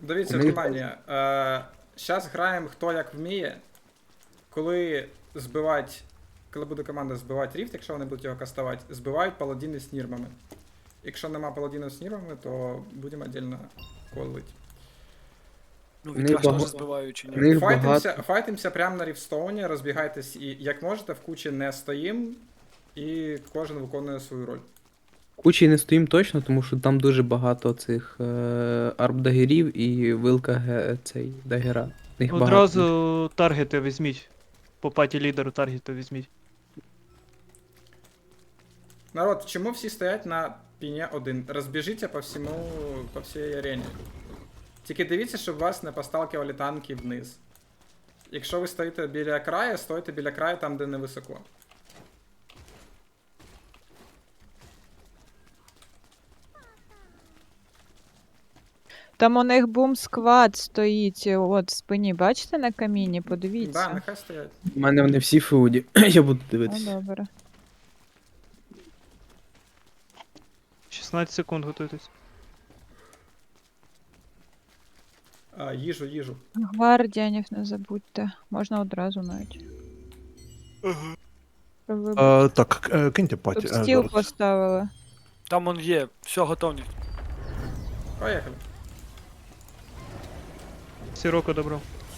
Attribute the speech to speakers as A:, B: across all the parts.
A: Дивіться, внимание. Зараз граємо хто як вміє. Коли буде команда збивати ріфт, якщо вони будуть його кастувати, збивають паладіни з нірмами. Якщо нема паладінів з нірмами, то будемо віддільно колити.
B: Ну,
C: Них
B: вітраж теж
C: бага-
B: збиваю чи ні?
C: них багато.
A: Файтимся прямо на рівстоуні, розбігайтесь і як можете, в кучі не стоїм, і кожен виконує свою роль.
C: Кучі не стоїм точно, тому що там дуже багато цих арбдагерів і вилка цей дагера. Їх багато.
D: Одразу таргети візьміть. По паті лідеру таргети візьміть.
A: Народ, чому всі стоять на піні 1? Розбіжіться по всій арені. Тільки дивіться, щоб вас не посталкивали танки вниз. Якщо ви стоїте біля краю, стойте біля краю там, де не високо.
E: Там у них бум-сквад стоїть, от в спині, бачите на каміні? Подивіться.
A: Да, нехай стоять.
C: У мене вони всі феуді. Я буду
E: Ну,
C: дивитися.
E: добре.
D: 16 секунд готуйтесь.
A: Їжу.
E: Гвардіанів не забудьте. Можна одразу навіть. Щоб ви
F: Так, киньте паті.
E: Тут стіл поставили.
B: Там он є, все, готовність.
A: Поїхали.
D: Сіроко добро.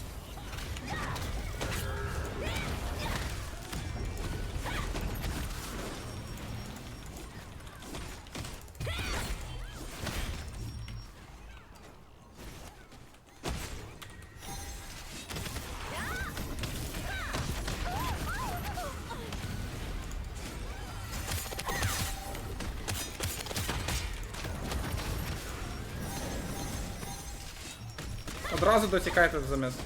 A: Одразу дотікайте до замес.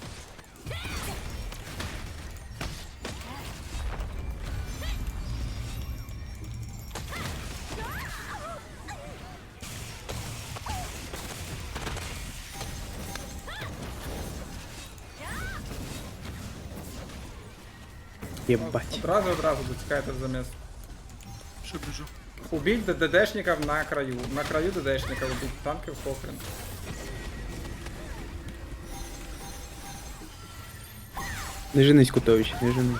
C: Єбать.
A: Одразу дотікайте до замес.
B: Що біжу?
A: Убить ДДшников на краю. На краю ДДшников убить, танков похрен.
C: Не женись, Кутович, не женись.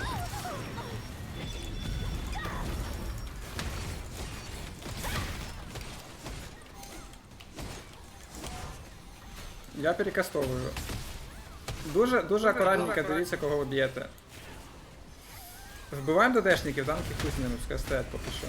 A: Я перекастовую. Дуже акуратненько дивіться, кого ви б'єте. Вбиваємо ДДшників, танки хуй з ними, пускай стоять поки що.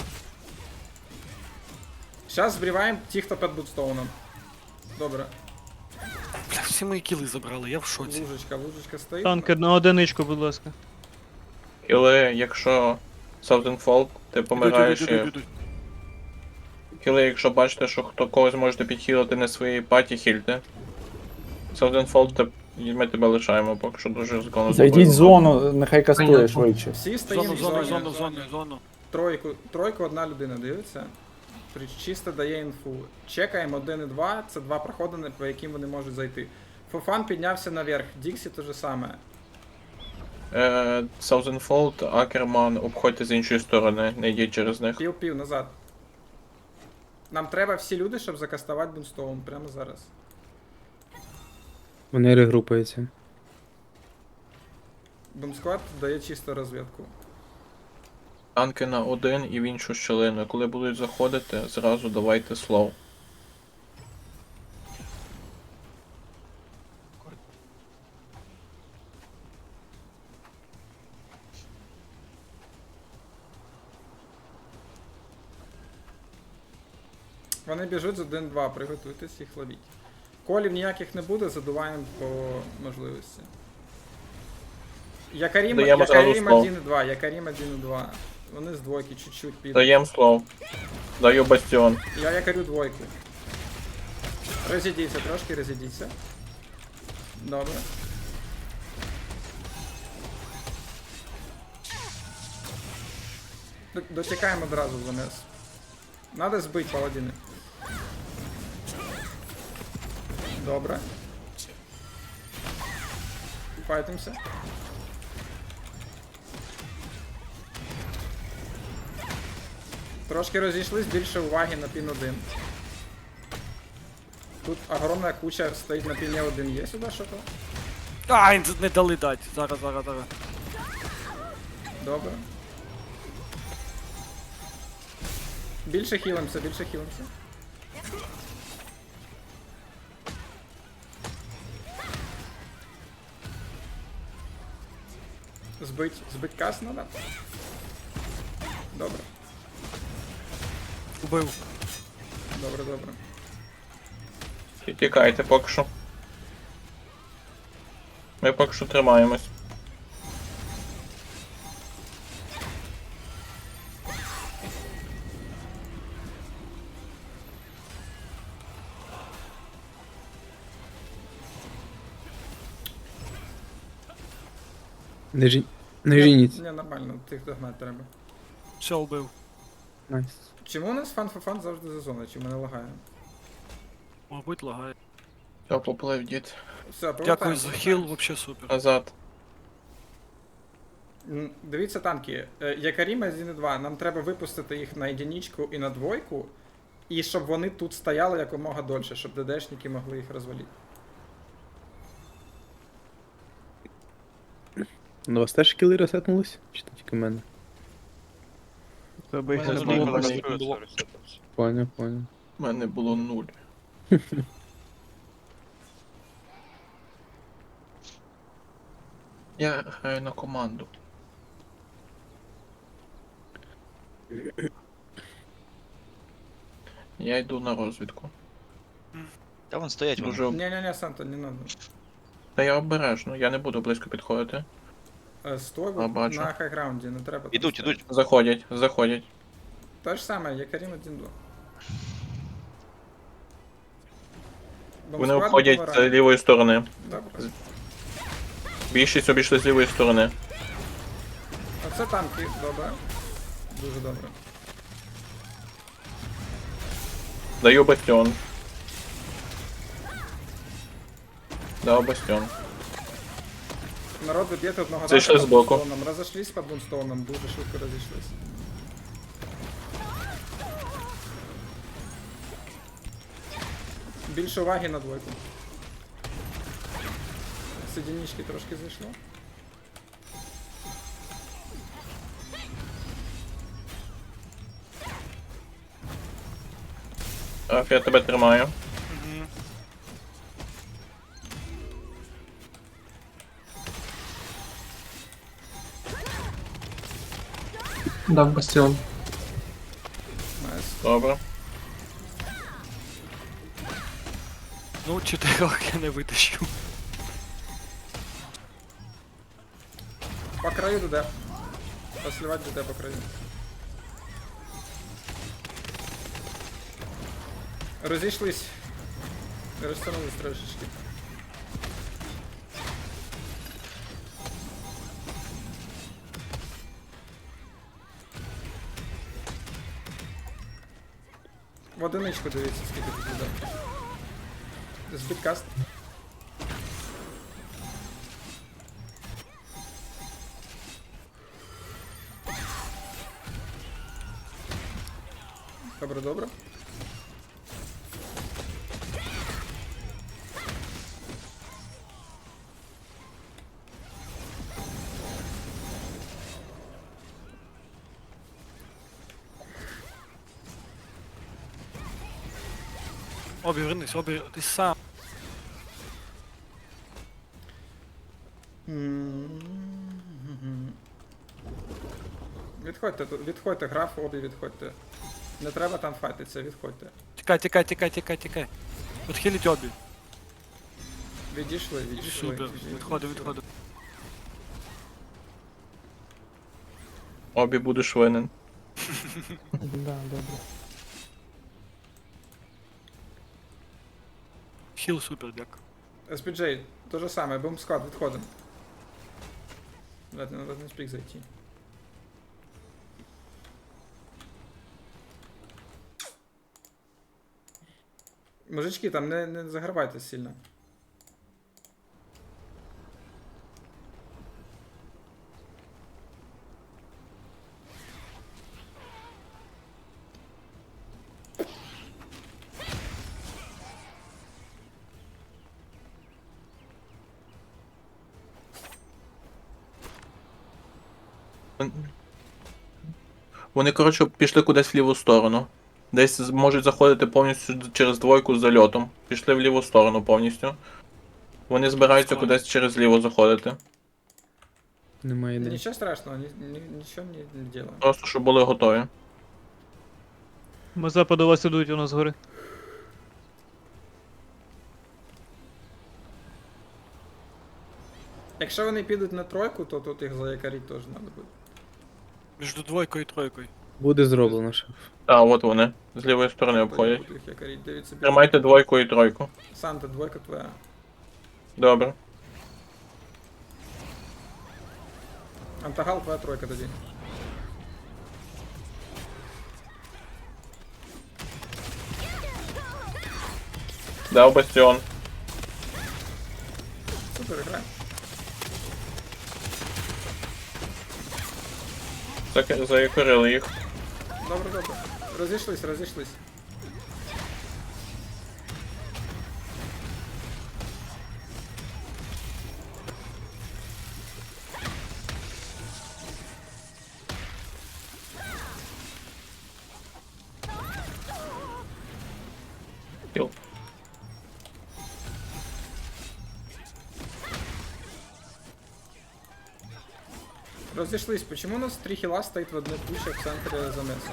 A: Зараз збріваємо ті, хто під бутстоуном. Добре.
B: Бля, всі мої кіли забрали, я в шоці.
A: Лужечка стоїть.
D: Танки на одиничку, будь ласка.
G: Але якщо Southern ти помираєш і... Хіли, якщо бачите, що хто когось можете підхилити не своїй паті, хільте. Southern ми тебе лишаємо, поки що дуже законно.
H: Зайдіть в зону, нехай кастує швидше.
A: Всі стоїмо в зоні.
B: Зону.
A: Тройку одна людина дивиться. Чисто дає інфу. Чекаємо 1 і 2, це 2 проходи, по яким вони можуть зайти. Фофан піднявся наверх, Діксі те же саме.
G: Southern Акерман, обходьте з іншої сторони, не йдіть через них.
A: Пів назад. Нам треба всі люди, щоб закастувати Бунстоун прямо зараз.
C: Вони регрупаються.
A: Бумсквад дає чисто розвідку.
G: Танки на 1 і в іншу щелину. Коли будуть заходити, зразу давайте слоу.
A: Вони біжуть з 1-2, приготуйтесь їх ловіть. Колів ніяких не буде, задуваємо по можливості. Якарім
G: Даємо зразу
A: 1
G: слов.
A: і 2, Якарім 1 і 2. Вони з двойки чуть-чуть підуть.
G: Даєм слоу. Даю бастіон.
A: Я якорю двойку. Розійдіться, трошки розійдіться. Добре. Дотікаємо одразу в замес. Надо збити паладини. Добре. Файтимся. Трошки розійшлись, більше уваги на пін 1. Тут огромна куча стоїть на піні один. Є сюди що-то?
B: Ай, не дали дати. Зараз.
A: Добре. Більше хілимося, більше хілимося. Збить кас надо. Добре,
B: Убив.
A: добре.
G: І тікайте поки що. Ми поки що тримаємось.
C: Не жініть.
A: Ні, нормально, тих догнати треба.
B: Все, убив.
C: Найс.
A: Чому у нас фан завжди за зоною? Чи мене лагає?
B: Мабуть, лагає.
G: Все, поплив дід.
A: Все,
B: Дякую
A: повертаємося.
B: за хіл, вообще супер.
G: Назад.
A: Дивіться танки. Якаріма з 2, нам треба випустити їх на єдиничку і на двойку, і щоб вони тут стояли якомога дольше, щоб ДДшники могли їх розвалити.
C: У вас теж кіли ресетнулись? Чи то тільки в мене?
D: Тебе їх
G: Мене
D: не
G: було
D: було.
G: нуль.
C: Поняв.
G: У мене було 0. Я граю на команду. Я йду на розвідку.
F: Та вон стоять вони.
G: Дуже...
A: Ні, Санто, не надо.
G: Та я обережно, я не буду близько підходити.
A: Стой
G: А, бачу.
A: на хайграунді, не треба. там
F: Ідуть,
A: стояти.
F: ідуть.
G: Заходять.
A: Те ж саме, Якарім 1-2.
G: Вони обходять з лівої сторони.
A: Добре.
G: Більшість обійшли з лівої сторони.
A: Оце танки, добре. Дуже добре.
G: Даю бастіон. Дав бастіон.
A: Народ доб'єте одного
G: Зайшли
A: танка
G: збоку.
A: під бунстоуном. Розійшлись під бунстоуном, дуже швидко розійшлись. Більше уваги на двойку. З одинички трошки зайшло.
G: Так, я тебе тримаю.
I: Дав бастіон.
A: Найс.
G: Добре.
B: Ну, 4 я не витащу.
A: По краю ДД. Посливать ДД по краю. Розійшлись. Розтягнулись трошечки. В одиничку дивіться, скільки тут ДД. Збіткаст. Добре.
B: Вернись, ти сам.
A: Відходьте, граф, обі відходьте. Не треба там файтитися, відходьте.
B: Тікай. Відхиліть обі.
A: Відійшли.
B: Супер, відходи.
G: Обі будеш винен.
D: Да, добре.
B: Хіл супер, дякую.
A: SPJ, то же саме, бомб-склад, відходимо. Блядь, надо не спік зайти. Мужички, там не загравайте сильно.
G: Вони, коротше, пішли кудись в ліву сторону. Десь можуть заходити повністю через двойку з зальотом. Пішли в ліву сторону повністю. Вони збираються
B: Складно.
G: кудись через ліво заходити.
C: Немає ідеї.
A: Нічого страшного, нічого не делаем.
G: Просто щоб були готові.
D: Мазепа до вас ідуть у нас згори.
A: Якщо вони підуть на тройку, то тут їх заякорити теж треба буде.
B: Між двойкою і тройкою.
C: Буде зроблено, шеф.
G: А, от вони. З лівої сторони обходять.
A: Буду їх якорити. Дивіться,
G: Тримайте двойку і тройку.
A: Санта, двойка твоя.
G: Добре.
A: Антагал, твоя тройка тоді.
G: Дав бастіон.
A: Супер, граємо.
G: Заякорили їх.
A: Добре, добре. Розійшлись.
G: Кіл.
A: Розійшлись. Почему у нас 3 хіла стоїть в одной куче в центрі замеса?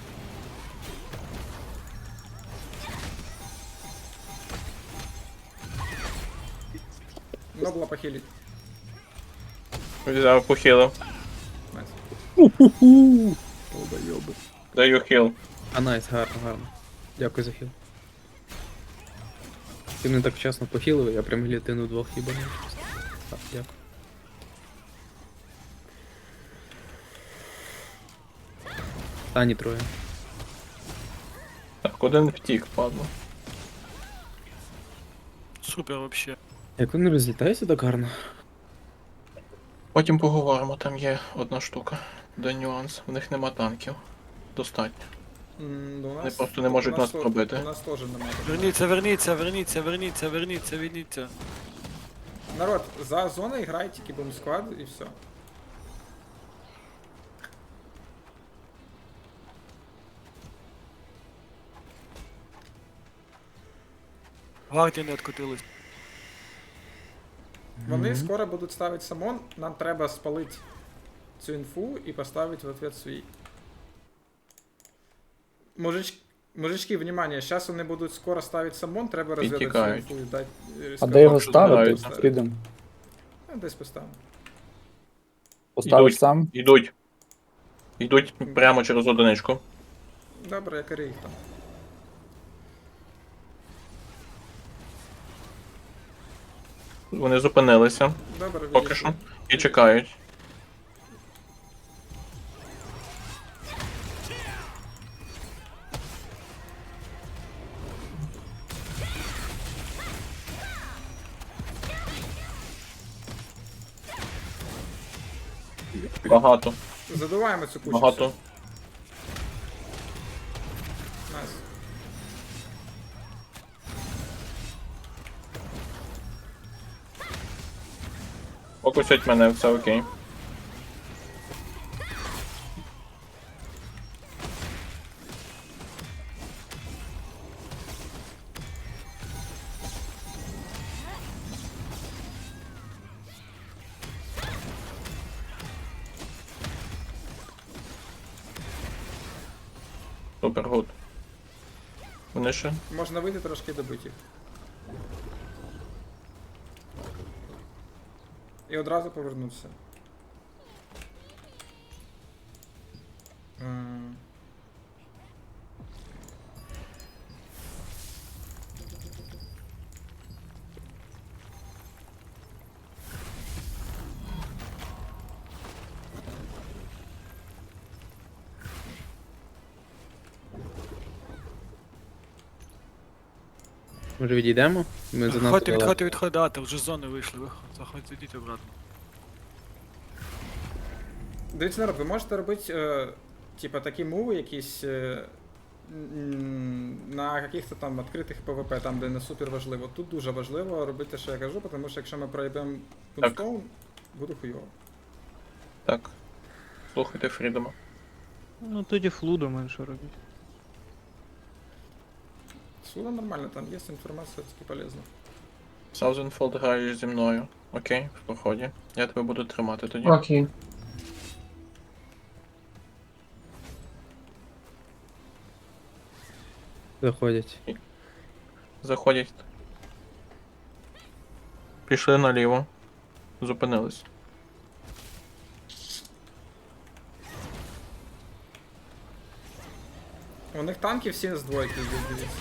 A: Нобла похилить.
G: Взяв, похилив.
A: Найс.
C: Долбойоби.
G: Даю хіл.
C: А найс, гарно. Дякую за хіл. Ти мене так вчасно похилив, я прям глітину двох хіба не Так, дякую. Тані троє.
G: Так, один втік, падло.
B: Супер вообще.
C: Як вони розлітаються так гарно?
G: Потім поговоримо, там є одна штука. Де нюанс. В них нема танків. Достатньо.
A: Да у нас,
G: просто не можуть
A: у
G: нас
A: то-
G: пробити.
A: У нас теж немає.
B: Верніться.
A: Народ, за зоною грає тільки бомб-сквад і все.
B: Гвардія не откотилась.
A: Вони скоро будуть ставити самон, нам треба спалити цю інфу і поставити в ответ свій. Мужички, внимание, зараз вони будуть скоро ставити самон, треба розвідати цю
G: тікають.
A: інфу і дати.
H: А де його
G: що
H: ставити?
G: збираються.
H: Підемо.
A: Десь поставимо.
H: Поставиш
G: Ідуть.
H: сам.
G: Йдуть. Йдуть прямо через одиничку.
A: Добре, якори їх там.
G: Вони зупинилися
A: Добре,
G: поки
A: відійшли.
G: що. І чекають. Багато.
A: Задуваємо цю кучу.
G: Багато.
A: Найс.
G: Фокусять мене, все окей. Супер гуд. Вони ще?
A: Можна вийти трошки і добити їх. І одразу повернутися. М.
C: Може відійдемо? Ми занадто далеко.
B: Відходи, вже з зони вийшли. Заходьте, йдіть обратно.
A: Дивіться, народ, ви можете робити, типа, такі муви якісь на каких-то там відкритих ПВП, там, де не супер важливо. Тут дуже важливо робити, що я кажу, тому що якщо ми проїбемо Пунстоун, буде хуйово.
G: Так. Слухайте Фрідома.
D: Ну тоді флудом менше робіть.
A: Суда нормально, там є інформація, таки полезна.
G: Саузенфолд граєш зі мною. Окей, в проході. Я тебе буду тримати тоді.
I: Окей.
C: Заходять.
G: Заходять. Пішли наліво. Зупинились.
A: У них танки всі з двойки йдуть, дивіться.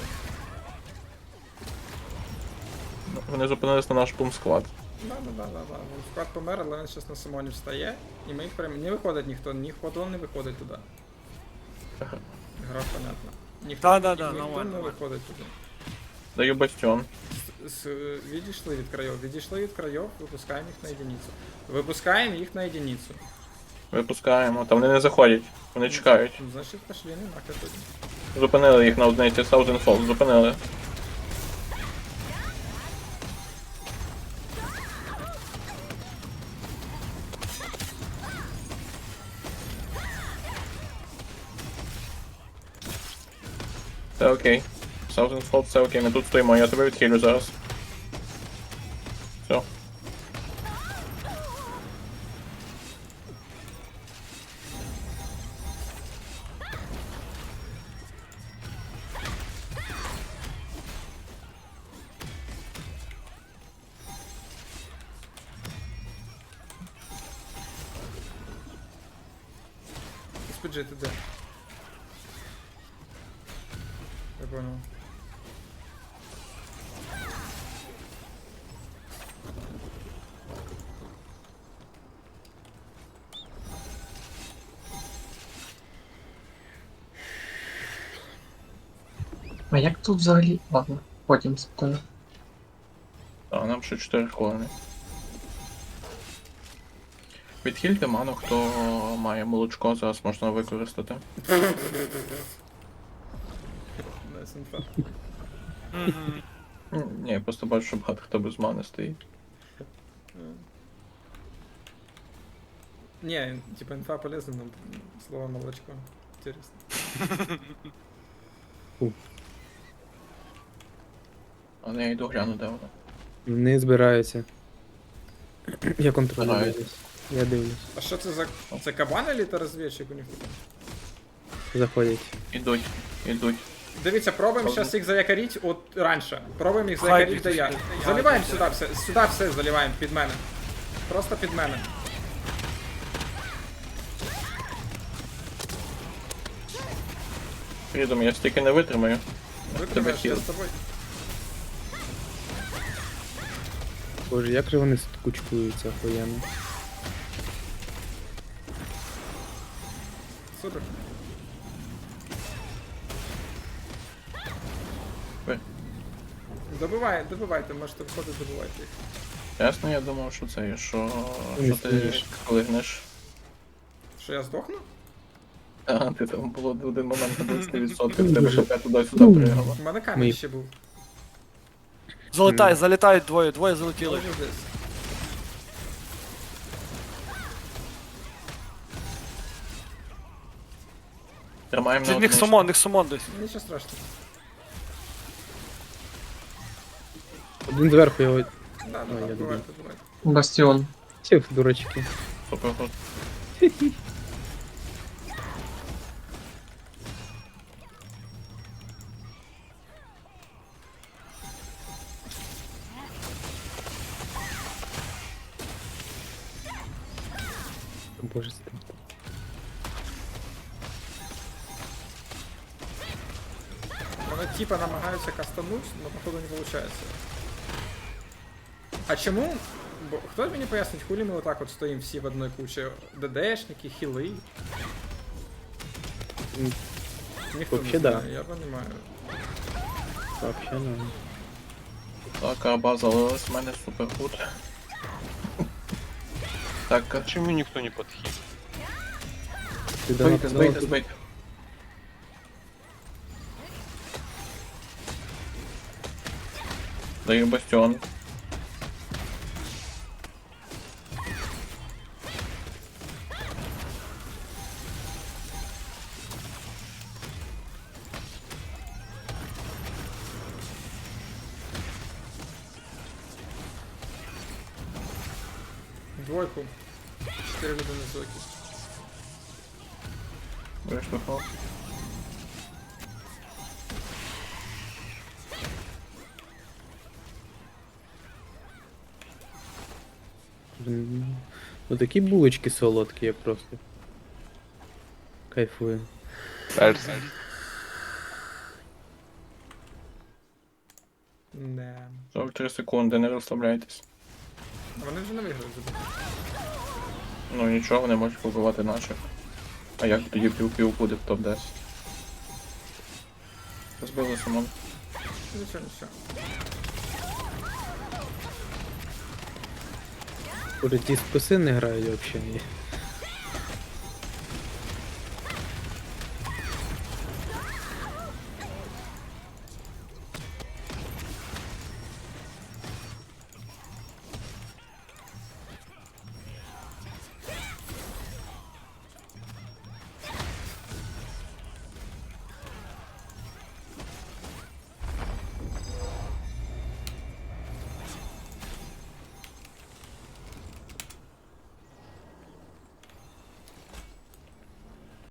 G: Вони зупинились на наш бум-склад.
A: Да. Вон склад помер, але він зараз на самоні встає. І ми їх прям... Не виходить ніхто, ніхто не виходить туди. Гра понятна.
B: Да-да-да,
A: ніхто
B: нормально,
A: не
B: нормально.
A: виходить туди.
G: Даю бастіон.
A: Відійшли від країв. Відійшли від країв, випускаємо їх на єдиницю. Випускаємо їх на єдиницю.
G: Випускаємо. Та вони не заходять. Вони чекають.
A: Ну, значить, пошли, не нахер тоді.
G: Зупинили їх на одниці. Саузенфолд. Зупинили. Це окей. Саузенфолд, це окей. Ми тут стоїмо, я тебе відхилю зараз. Все.
A: SPG, ти де? Я понял.
I: А як тут взагалі? Ладно, потім спитаю.
G: Так, нам ще 4 хвилини. Відхильте ману, хто має молочко, зараз можна використати.
A: Найс інфа.
B: Мгм.
G: Ні, я просто бачу, що багато хто без мани стоїть.
A: Не, типа инфа полезна, но слово молочко. Интересно.
G: Але я йду гляну, де воно.
C: Вони збираються. Я контролюю.
G: Збираються.
C: дивлюсь. Я дивлюсь.
A: А що це за... Це кабан или це розвідчик у них?
C: Заходять.
G: Ідуть, ідуть.
A: Дивіться, пробуємо зараз їх заякорити от раніше. Пробуємо їх
B: Хай
A: заякорити
B: біг
A: до я.
B: сюди.
A: Заливаємо сюди все заливаємо під мене. Просто під мене.
G: Фрідом, я стільки не витримаю.
A: Викриваєш, я
G: хіл.
A: з тобою.
C: Боже, як же вони кучкуються охуєнно.
A: Супер. Добивайте, можете виходити, добивайте їх.
G: Ясно, я думав, що це, що
C: Не
G: ти
C: стоїш.
G: клигнеш.
A: Що я здохну?
G: А, ти там було в один момент на 20%, в тебе ХП туди-сюди пригало.
A: У мене камінь
C: Ми-
A: ще був.
B: Залітають двоє залетіли.
A: Тоже десь.
G: Тримаємо на
B: Від них
G: одному.
B: сумон десь.
A: Нічого страшного.
C: Один зверху його.
A: Да,
C: я
A: добивайте,
C: добив.
A: добивайте.
I: Бастіон.
C: Сів, дурачки.
G: Супер гуд.
C: Боже, це.
A: Вони типа намагаються кастануть, но походу не получается. А чому? Бо хто мені пояснить, хулі ми отак от стоїмо всі в одній кучі? ДДшники, хіли? Ніхто
C: Вообще
A: не
C: да.
A: знає, я розумію.
C: Вообще ну.
G: Так, аба залилась в мене супер гуд. Так,
H: Чому ніхто не підхід?
G: збийте, збийте, збийте. Даю бастіон.
A: Двойку. 4 людини звуки.
G: Вийшло фол.
C: Ну такі булочки солодкі, я просто. Кайфую.
A: Не.
G: 43 секунди, не розслабляйтесь.
A: Вони вже не виграли забити.
G: Ну нічого, не можуть побивати наших. А як тоді пів-пів буде в топ-10? Розбили Симон.
A: Нічого, нічого.
C: Може ті списи не грають взагалі.